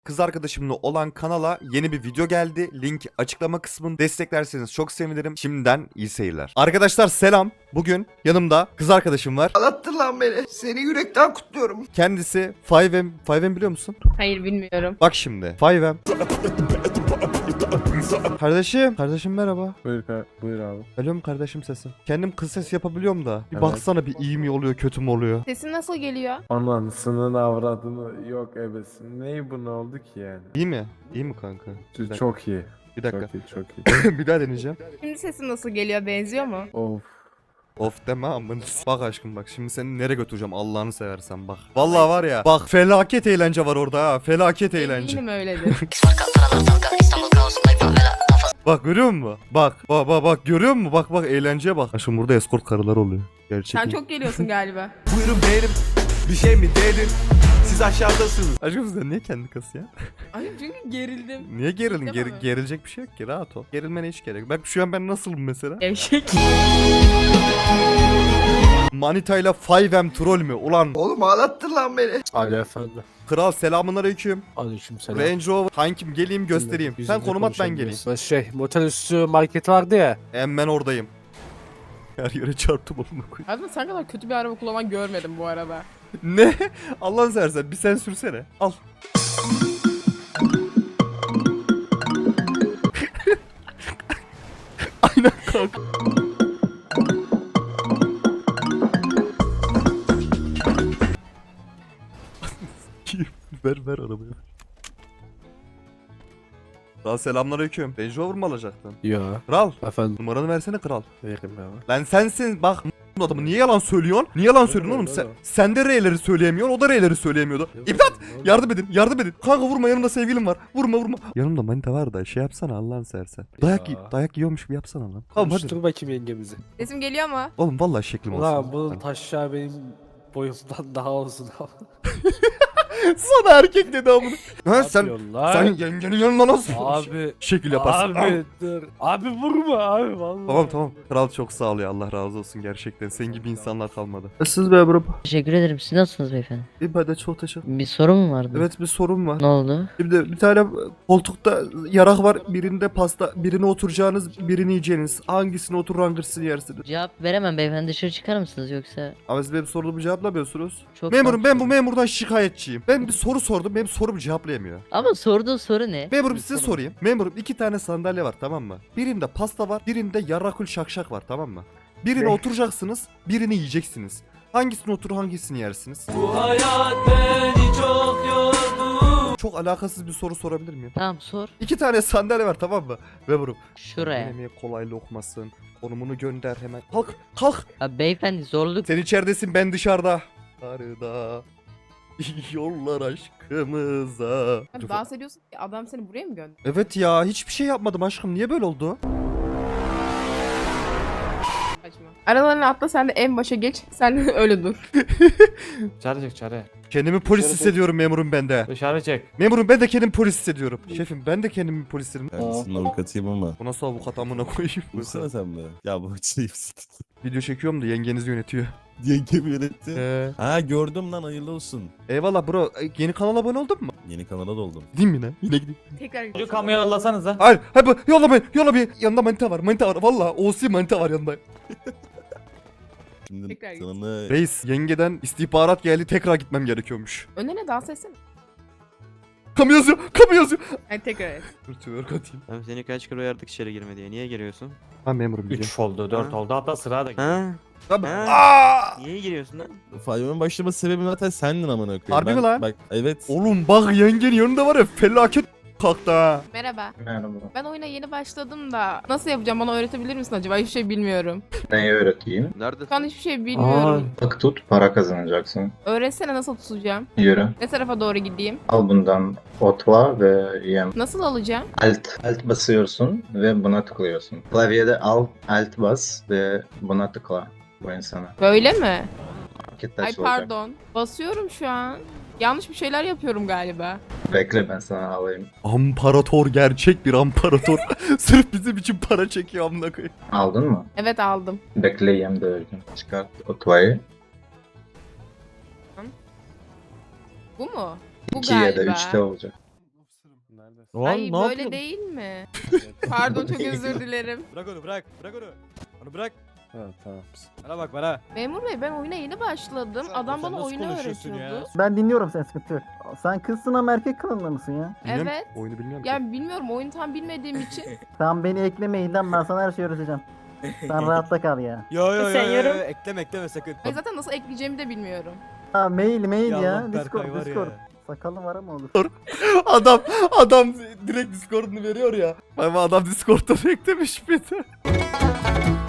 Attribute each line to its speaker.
Speaker 1: Kız arkadaşımla olan kanala yeni bir video geldi. Link açıklama kısmında, desteklerseniz çok sevinirim. Şimdiden iyi seyirler. Arkadaşlar selam. Bugün yanımda kız arkadaşım var.
Speaker 2: Ağlattın lan beni. Seni yürekten kutluyorum.
Speaker 1: Kendisi 5M. 5M biliyor musun?
Speaker 3: Hayır bilmiyorum.
Speaker 1: Bak şimdi 5M. Kardeşim merhaba.
Speaker 4: Buyur abi.
Speaker 1: Geliyor mu kardeşim sesin? Kendim kız sesi yapabiliyorum da. Bir
Speaker 4: Evet.
Speaker 1: baksana bir iyi mi oluyor kötü mü oluyor?
Speaker 3: Sesin nasıl geliyor?
Speaker 4: Anasının avradını yok ebesin. Neyi bu ne oldu ki yani?
Speaker 1: İyi mi? İyi mi kanka? Bir dakika.
Speaker 4: Çok iyi.
Speaker 1: Bir dakika.
Speaker 4: Çok iyi çok iyi.
Speaker 1: Bir daha deneyeceğim.
Speaker 3: Şimdi sesin nasıl geliyor? Benziyor mu?
Speaker 4: Of.
Speaker 1: Of deme amına. Bak aşkım bak şimdi seni nereye götüreceğim Allah'ını seversen bak. Vallahi var ya bak felaket eğlence var orada ha. Felaket eğlence.
Speaker 3: Eminim öyledir.
Speaker 1: Bak görüyor musun? Bak görüyor musun? Bak eğlenceye bak. Aşkım burada escort karılar oluyor. Gerçek
Speaker 3: Sen
Speaker 1: mi?
Speaker 3: çok geliyorsun galiba.
Speaker 2: Buyurun benim. Bir şey mi dedin? Siz aşağıdasınız.
Speaker 1: Aşkım sen niye kendi kası ya?
Speaker 3: Ay çünkü gerildim.
Speaker 1: Niye gerildin?
Speaker 3: Değil mi?
Speaker 1: Gerilecek bir şey yok ki rahat ol. Gerilmene hiç gerek yok. Bak şu an ben nasılım mesela?
Speaker 3: Gevşek.
Speaker 1: Manitayla 5M troll mü? Ulan
Speaker 2: Oğlum ağlattın lan beni.
Speaker 4: Ali efendi.
Speaker 1: kral selamünaleyküm.
Speaker 4: Aleykümselam.
Speaker 1: Range Rover kankim geleyim göstereyim. Sen konum at ben geleyim.
Speaker 4: Motel üstü market vardı ya.
Speaker 1: Hemen oradayım. Her yere çarptım onu koy.
Speaker 3: Aslında sen kadar kötü bir araba kullanan görmedim bu arada.
Speaker 1: Ne? Allah'ını seversen bir sen sürsene. Al. Aynen kanka. ver arabayı. Kral selamünaleyküm. Range Rover mu alacaktın?
Speaker 4: Ya.
Speaker 1: Kral
Speaker 4: Efendim.
Speaker 1: numaranı versene kral.
Speaker 4: Veririm ya.
Speaker 1: Lan sensin bak adamı niye yalan söylüyorsun? Niye yalan söylüyorsun oğlum? Sen de R'leri söyleyemiyorsun, o da R'leri söyleyemiyordu. İmdat! Yardım edin. Kanka vurma yanımda sevgilim var. Vurma. Yanımda manita var da şey yapsana Allah'ını seversen. Dayak yiyormuş gibi yapsana lan. Tamam hadi.
Speaker 4: Konuştur bakayım yengemizi.
Speaker 3: Sesim geliyor mu?
Speaker 1: Oğlum vallahi şeklim olsun.
Speaker 4: Ulan bunun taşağı benim boyumdan daha uzun.
Speaker 1: Sana erkek dedi amına. Ha sen
Speaker 4: Yapıyorlar.
Speaker 1: yengenin yanında nasıl
Speaker 4: Abi.
Speaker 1: şekil yaparsın?
Speaker 4: Abi dur. Abi vurma abi vallahi.
Speaker 1: Tamam. Kral çok sağ ol ya. Allah razı olsun gerçekten. Senin gibi insanlar kalmadı. Siz be bro.
Speaker 5: Teşekkür ederim. Siz nasılsınız beyefendi?
Speaker 1: İyi ben de çok teşekkür.
Speaker 5: Bir sorun mu vardı?
Speaker 1: Evet bir sorun var.
Speaker 5: Ne oldu?
Speaker 1: Şimdi bir tane koltukta yarak var. Birinde pasta. Birine oturacağınız, birini yiyeceğiniz. Hangisine oturur hangisini yersiniz?
Speaker 5: Cevap veremem beyefendi. Dışarı çıkar mısınız yoksa?
Speaker 1: Ama siz benim sorumu cevaplamıyorsunuz.
Speaker 5: Çok
Speaker 1: Memurum ben bu
Speaker 5: mantıklı.
Speaker 1: memurdan şikayetçiyim. Ben bir soru sordum. Benim sorumu cevaplayamıyor.
Speaker 5: Ama sorduğu soru ne?
Speaker 1: Memurum size sorayım. Memurum 2 tane sandalye var tamam mı? Birinde pasta var. Birinde yarrakül şakşak var tamam mı? Birine oturacaksınız. Birini yiyeceksiniz. Hangisine oturur hangisini yersiniz? Bu hayat beni çok yordu. Çok alakasız bir soru sorabilir miyim?
Speaker 5: Tamam sor.
Speaker 1: 2 tane sandalye var tamam mı? Memurum.
Speaker 5: Şuraya.
Speaker 1: Yemeğe kolaylı okumasın. Konumunu gönder hemen. Kalk.
Speaker 5: Abi beyefendi zorluk.
Speaker 1: Sen içeridesin ben dışarıda. Arada yollar aşkımıza.
Speaker 3: Abi dans ediyorsun ki adam seni buraya mı gönderdi?
Speaker 1: Evet ya hiçbir şey yapmadım aşkım. Niye böyle oldu?
Speaker 3: Saçma. Aralarına atla sen de en başa geç. Sen de öyle dur.
Speaker 6: Dışarı çık dışarı.
Speaker 1: Kendimi polis
Speaker 6: Dışarı
Speaker 1: hissediyorum memurum ben de.
Speaker 6: Dışarı çık.
Speaker 1: Memurum ben de kendimi polis hissediyorum. Şefim ben de kendimi polis hissediyorum.
Speaker 7: Kendisinin avukatıyım ama.
Speaker 1: Bu nasıl avukat amına koyayım?
Speaker 7: Vursana sen be. Ya bu şey
Speaker 1: Video çekiyorum da yengeniz yönetiyor.
Speaker 7: Yengemi yönetti. Ha gördüm lan hayırlı olsun.
Speaker 1: Eyvallah bro. Yeni kanala abone oldun mu?
Speaker 7: Yeni kanala doldum.
Speaker 1: Gideyim yine. Yine gideyim.
Speaker 3: Tekrar
Speaker 6: Şu kamuya yollasanıza.
Speaker 1: Hayır. Yolla beni. Yanında manita var. Valla OC manita var yanında.
Speaker 7: Şimdi
Speaker 3: Tekrar git.
Speaker 7: kanalını...
Speaker 1: Reis yengeden istihbarat geldi tekrar gitmem gerekiyormuş.
Speaker 3: önüne dans etsene.
Speaker 1: Kamu yazıyor.
Speaker 3: Hadi tekrar et.
Speaker 1: Dur twerk atayım.
Speaker 8: Abi seni kaç kere uyardık içeri girme diye. Niye giriyorsun?
Speaker 1: Ha memurum biliyorum.
Speaker 6: 3 oldu 4
Speaker 8: Ha?
Speaker 6: oldu hatta sıra da
Speaker 8: Ha?
Speaker 1: Tabii.
Speaker 8: Ha?
Speaker 1: Aa!
Speaker 8: Niye giriyorsun lan?
Speaker 7: Fayyo'nun başlaması sebebi zaten sendin amına koyayım.
Speaker 1: Harbi mi lan?
Speaker 7: Bak evet.
Speaker 1: Oğlum bak yengenin yanında var ya felaket kalktı ha.
Speaker 3: Merhaba.
Speaker 9: Merhaba.
Speaker 3: Ben oyuna yeni başladım da nasıl yapacağım bana öğretebilir misin acaba? Hiçbir şey bilmiyorum.
Speaker 9: Neyi öğreteyim?
Speaker 8: Nerede?
Speaker 3: Şu an hiçbir şey bilmiyorum.
Speaker 9: Bak tut, para kazanacaksın.
Speaker 3: Öğretsene nasıl tutacağım?
Speaker 9: Yürü.
Speaker 3: Ne tarafa doğru gideyim?
Speaker 9: Al bundan otla ve yem.
Speaker 3: Nasıl alacağım?
Speaker 9: Alt basıyorsun ve buna tıklıyorsun. Klavyede alt bas ve buna tıkla bu insana.
Speaker 3: Böyle mi?
Speaker 9: Paket
Speaker 3: Ay
Speaker 9: taş olacak.
Speaker 3: pardon. Basıyorum şu an. Yanlış bir şeyler yapıyorum galiba.
Speaker 9: Bekle ben sana alayım.
Speaker 1: Amparator gerçek bir amparator. Sırf bizim için para çekiyor amına koyayım.
Speaker 9: Aldın mı?
Speaker 3: Evet aldım.
Speaker 9: Bekle yem de öldüm. Çıkart otlayı.
Speaker 3: Bu mu? Bu
Speaker 9: 2 ya da
Speaker 3: galiba.
Speaker 9: 3'te olacak.
Speaker 7: Lan
Speaker 3: Ay
Speaker 7: ne
Speaker 3: böyle
Speaker 7: yapıyorsun?
Speaker 3: değil mi? Pardon çok özür dilerim.
Speaker 6: Bırak onu bırak. Bırak onu. Onu bırak.
Speaker 4: Ha, tamam.
Speaker 6: Bana bak bana.
Speaker 3: Memur bey ben oyuna yeni başladım. Adam
Speaker 6: sen
Speaker 3: bana
Speaker 6: nasıl
Speaker 3: oyunu
Speaker 6: konuşuyorsun ya?
Speaker 3: öğretiyordu.
Speaker 10: Ben dinliyorum, sen sıkıntı yok. Sen kızsın ama erkek kılığında mısın ya?
Speaker 1: Bilmiyorum,
Speaker 3: Evet.
Speaker 1: Oyunu bilmiyorum ki.
Speaker 3: Ya bilmiyorum oyunu tam bilmediğim için.
Speaker 10: Sen beni eklemeyin lan, ben sana her şeyi öğreteceğim. Sen rahatta kal ya.
Speaker 6: Yo yo yo,
Speaker 11: Sen
Speaker 6: yo,
Speaker 11: yorum.
Speaker 6: yo, ekleme sakın.
Speaker 3: Ay zaten nasıl ekleyeceğimi de bilmiyorum.
Speaker 10: Ha mail
Speaker 6: Ya
Speaker 10: ya.
Speaker 6: Allah, Berkay
Speaker 10: Discord,
Speaker 6: var
Speaker 10: Discord.
Speaker 6: ya.
Speaker 10: Sakallı var ama olur.
Speaker 1: Adam direkt Discord'unu veriyor ya. Ama adam Discord'dan eklemiş bir de.